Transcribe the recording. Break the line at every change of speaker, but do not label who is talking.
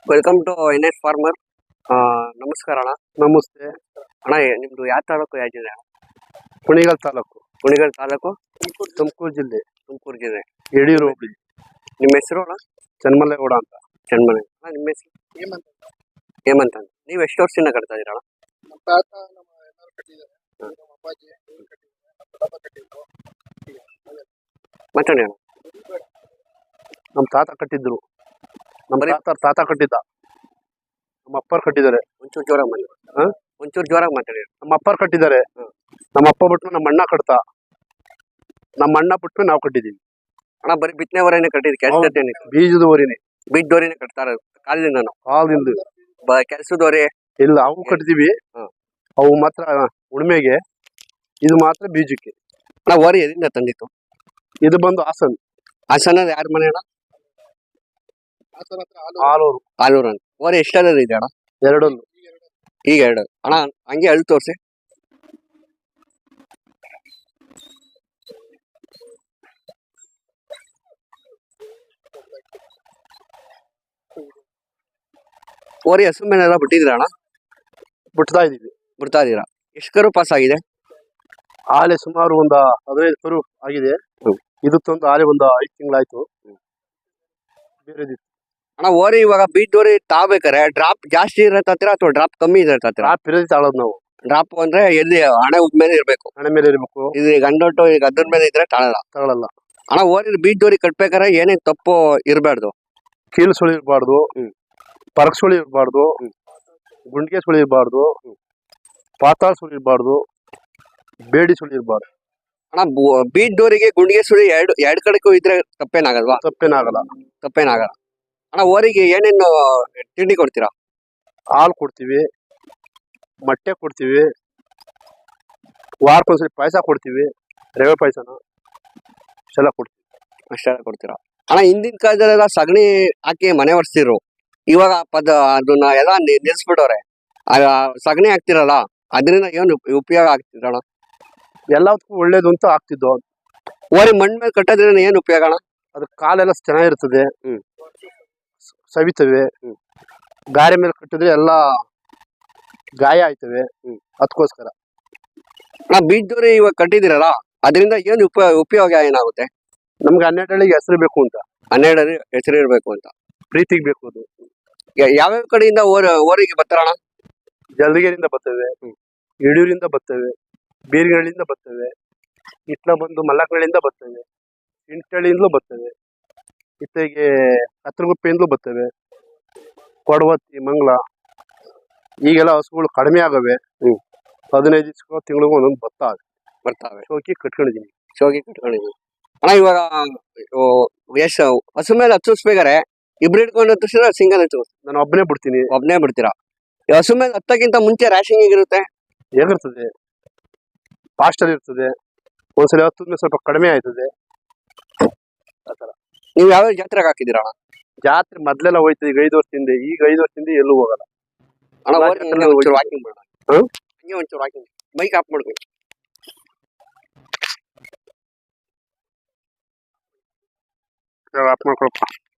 Welcome to NS farmer. ನಮಸ್ಕಾರ ಅಣ್ಣ.
ನಮಸ್ತೆ
ಅಣ್ಣ, ನಿಮ್ದು ಯಾವ ತಾಲೂಕು ಯಾವ ಜಿಲ್ಲೆ?
ಕುಣಿಗಲ್ ತಾಲೂಕು,
ಕುಣಿಗಲ್ ತಾಲೂಕು,
ತುಮಕೂರು ಜಿಲ್ಲೆ,
ತುಮಕೂರು ಜಿಲ್ಲೆ.
ಯಡಿಯೂರು ಹೋಬಳಿ.
ನಿಮ್ಮ ಹೆಸರು ಅಣ್ಣ?
ಚನ್ಮಲ್ಲೇಗೌಡ ಅಂತ.
ಚನ್ಮನೆ. ಅಣ್ಣ, ನಿಮ್ಮ ಹೆಸರು? ಹೇಮಂತ್ ಅಂತ. ನೀವು ಎಷ್ಟು ವರ್ಷದಿಂದ ಕಟ್ತಾ ಇದೀರ ಅಣ್ಣ?
ನಮ್ಮ ತಾತ ನಮ್ಮ ಎಲ್ಲರೂ ಕಟ್ಟಿದ್ದಾರೆ. ನಮ್ಮ ಅಪ್ಪಾಜಿ ಇವ್ರು ಕಟ್ಟಿದ್ದಾರೆ. ನಮ್ಮ ದೊಡ್ಡಪ್ಪ ಕಟ್ಟಿದ್ರು.
ಮಾತಾಡಿ ಅಣ್ಣ.
ನಮ್ಮ ತಾತ ಕಟ್ಟಿದ್ರು. ನಮ್ಮ ತಾತ ಕಟ್ಟಿದ್ದ. ನಮ್ಮ ಅಪ್ಪರ್ ಕಟ್ಟಿದ್ದಾರೆ.
ಒಂಚೂರು ಜೋರಾಗಿ ಮಾತಾಡಿ. ಒಂಚೂರು ಜೋರಾಗಿ ಮಾತಾಡಿ.
ನಮ್ಮ ಅಪ್ಪರ್ ಕಟ್ಟಿದ್ದಾರೆ. ನಮ್ಮ ಅಪ್ಪ ಬಿಟ್ಟು ನಮ್ಮ ಅಣ್ಣ ಕಟ್ತಾ. ನಮ್ಮ ಅಣ್ಣ ಬಿಟ್ಟು ನಾವು ಕಟ್ಟಿದೀವಿ.
ಅಣ್ಣ, ಬರೀ ಬಿತ್ತನೆ ವರೆನೇ ಕಟ್ಟಿದ್? ಕೆಲಸ
ಬೀಜದ ಊರಿನೇ,
ಬೀಜದವರಿನೇ ಕಟ್ತಾರ ಕಾಲದಿಂದ? ನಾವು
ಹಾಲಿಂದ
ಕೆಲಸದವರೇ
ಇಲ್ಲ. ಅವು ಕಟ್ತೀವಿ. ಅವು ಮಾತ್ರ ಉಣ್ಮೆಗೆ, ಇದು ಮಾತ್ರ ಬೀಜಕ್ಕೆ.
ಅಣ್ಣ, ಓರಿ ಎಲ್ಲಿಂದ ತಂದಿತ್ತು?
ಇದು ಬಂದು ಹಾಸನ್.
ಹಾಸನ ಯಾರ ಮನೆ ಅಣ್ಣ?
ಆಲೂರು.
ಆಲೂರು ಅಂತ. ಓರಿ ಎಷ್ಟರ ಇದೆ ಅಣ್ಣ?
ಎರಡೊಂದು.
ಈಗ ಎರಡು. ಅಣ್ಣ, ಹಂಗೆ ಅಳ್ ತೋರ್ಸಿ. ಓರಿ ಹಸು ಮೇಲೆಲ್ಲ ಬಿಟ್ಟಿದ್ರ ಅಣ್ಣ?
ಬಿಡ್ತಾ ಇದೀವಿ.
ಬಿಡ್ತಾ ಇದೀರಾ? ಎಷ್ಟು ಕರು ಪಾಸ್ ಆಗಿದೆ?
ಆಲೆ ಸುಮಾರು ಒಂದು 15 ಕರು ಆಗಿದೆ. ಇದು ತಂದು ಆಲೆ ಒಂದು 5 ತಿಂಗಳಾಯ್ತು. ಬೇರೆ
ಅಣ್ಣ, ಓರಿ ಇವಾಗ ಬೀಟ್ ಓರಿ ತಾಬೇಕಾರೆ ಡ್ರಾಪ್ ಜಾಸ್ತಿ ಇರತ್ತೀರಾ ಅಥವಾ ಡ್ರಾಪ್ ಕಮ್ಮಿ ಇರತ್ತೀರಾ?
ಡ್ರಾಪ್ ಇರೋದು ತಾಳೋದು ನಾವು.
ಡ್ರಾಪ್ ಅಂದ್ರೆ ಎಲ್ಲಿ ಹಣೆ ಮೇಲೆ ಇರ್ಬೇಕು.
ಹಣೆ ಮೇಲೆ ಇರ್ಬೇಕು.
ಇದು ಗಂಡೊಟ್ಟು ಈಗ ಅದ್ರ ಮೇಲೆ ಇದ್ರೆ
ತಗೊಳಲ್ಲ.
ಅಣ್ಣ, ಓರಿ ಬೀಟ್ ಓರಿ ಕಟ್ಬೇಕಾರೆ ಏನೇನ್ ತಪ್ಪು ಇರಬಾರ್ದು?
ಕೀಲು ಸುಳಿ ಇರಬಾರ್ದು, ಪರಕ್ ಸುಳಿ ಇರಬಾರ್ದು, ಗುಂಡಿಗೆ ಸುಳಿ ಇರಬಾರ್ದು, ಪಾತಾಳ ಸುಳಿ ಇರಬಾರ್ದು, ಬೇಡಿ ಸುಳಿ ಇರಬಾರ್ದು.
ಅಣ್ಣ, ಬೀಟ್ ಡೋರಿಗೆ ಗುಂಡಿಗೆ ಸುಳಿ ಎರಡು ಕಡೆಗೂ ಇದ್ರೆ ತಪ್ಪೇನಾಗಲ್ವಾ? ತಪ್ಪೇನಾಗಲ್ಲ. ಅಣ್ಣ, ಓರಿಗೆ ಏನೇನು ತಿಂಡಿ ಕೊಡ್ತೀರಾ?
ಹಾಲು ಕೊಡ್ತೀವಿ, ಮೊಟ್ಟೆ ಕೊಡ್ತೀವಿ, ವಾರಕ್ಕೊಂದ್ಸರಿ ಪಾಯಸ ಕೊಡ್ತೀವಿ, ರವೆ ಪಾಯಸನ ಇಷ್ಟೆಲ್ಲ ಕೊಡ್ತೀವಿ.
ಅಷ್ಟೆಲ್ಲ ಕೊಡ್ತೀರಾ? ಅಣ್ಣ, ಹಿಂದಿನ ಕಾಲದಲ್ಲೆಲ್ಲ ಸಗಣಿ ಹಾಕಿ ಮನೆ ಒರೆಸ್ತಿರು. ಇವಾಗ ಅದನ್ನ ಎಲ್ಲ ನಿಲ್ಸ್ಬಿಟ್ಟವ್ರೆ. ಸಗಣಿ ಹಾಕ್ತಿರಲ್ಲ, ಅದರಿಂದ ಏನು ಉಪಯೋಗ ಆಗ್ತಿದ್ರಣ್ಣ?
ಎಲ್ಲದಕ್ಕೂ ಒಳ್ಳೇದು ಅಂತ ಆಗ್ತಿದ್ದು.
ಓರಿ ಮಣ್ಣ್ ಮೇಲೆ ಕಟ್ಟೋದ್ರಿಂದ ಏನ್ ಉಪಯೋಗ ಅಣ್ಣ?
ಅದ್ರ ಕಾಲೆಲ್ಲ ಚೆನ್ನಾಗಿರ್ತದೆ, ಸವಿತವೆ. ಗಾರೆ ಮೇಲೆ ಕಟ್ಟಿದ್ರೆ ಎಲ್ಲ ಗಾಯ ಆಯ್ತವೆ. ಅದಕ್ಕೋಸ್ಕರ
ಅಣ್ಣ, ಬೀಜದವ್ರಿ ಇವಾಗ ಕಟ್ಟಿದಿರಲ್ಲ, ಅದರಿಂದ ಏನು ಉಪಯೋಗ ಏನಾಗುತ್ತೆ?
ನಮ್ಗೆ 12 ಹಳ್ಳಿಗೆ ಹೆಸರು ಬೇಕು ಅಂತ.
12 ಹೆಸರು ಇರ್ಬೇಕು ಅಂತ,
ಪ್ರೀತಿಗೆ ಬೇಕು. ಅದು
ಯಾವ್ಯಾವ ಕಡೆಯಿಂದ ಓರಿಗೆ ಬರ್ತಾರಣ್ಣ?
ಜಲ್ದಿಗೆರಿಂದ ಬರ್ತವೆ, ಯಡಿಯೂರಿಂದ ಬರ್ತವೆ, ಬೀರ್ಗಳಿಂದ ಬರ್ತವೆ, ಇಟ್ಲ ಬಂದು ಮಲ್ಲಕಗಳಿಂದ ಬರ್ತವೆ, ಇಂಟಳಿಯಿಂದಲೂ ಬರ್ತವೆ, ಇತ್ತೆಗೆ ಕತ್ರಗುಪ್ಪೆಯಿಂದಲೂ ಬರ್ತವೆ, ಕೊಡವತ್ತಿ, ಮಂಗಳ. ಈಗೆಲ್ಲ ಹಸುಗಳು ಕಡಿಮೆ ಆಗವೆ. 15 ದಿವಸ ತಿಂಗಳಿಗೂ ಒಂದೊಂದು ಬರ್ತಾವೆ. ಶೋಕಿ ಕಟ್ಕೊಂಡಿದೀನಿ.
ಅಣ್ಣ, ಇವಾಗ ಎಷ್ಟು ಹಸು ಮೇಲೆ ಹಚ್ಚಿಸ್ಬೇಕಾರೆ ಇಬ್ರು ಹಿಡ್ಕೊಂಡು ಹತ್ತಿಸಿದ್ರೆ ಸಿಂಗಲ್ ಹಚ್ಚು?
ನಾನು ಒಬ್ಬನೇ ಬಿಡ್ತೀನಿ.
ಒಬ್ಬನೇ ಬಿಡ್ತೀರಾ? ಹಸು ಮೇಲೆ ಹತ್ತಕ್ಕಿಂತ ಮುಂಚೆ ರ್ಯಾಶಿಂಗ್ ಹೇಗಿರುತ್ತೆ?
ಹೇಗಿರ್ತದೆ? ಫಾಸ್ಟ್ ಅಲ್ಲಿ ಇರ್ತದೆ. ಒಂದ್ಸಲ ಹತ್ತದ್ಮೇಲೆ ಸ್ವಲ್ಪ ಕಡಿಮೆ ಆಯ್ತದೆ. ಆತರ.
ನೀವು ಯಾವ ಜಾತ್ರೆಗೆ ಹಾಕಿದ್ದೀರಾ ಅಣ್ಣ?
ಜಾತ್ರೆ ಮೊದ್ಲೆಲ್ಲ ಹೋಯ್ತದೆ. ಈಗ 5 ವರ್ಷದಿಂದ. ಈಗ 5 ವರ್ಷದಿಂದ ಎಲ್ಲೂ ಹೋಗಲ್ಲ.
ಅಣ್ಣ, ಒಂಚೂರು ವಾಕಿಂಗ್ ಮಾಡೋಣ. ಹಂಗೆ ಒಂಚೂರು ವಾಕಿಂಗ್. ಬೈಕ್ ಆಫ್ ಮಾಡ್ಕೊಳ್ಳಿ.
ಆಫ್ ಮಾಡ್ಕೊಳಪ್ಪ.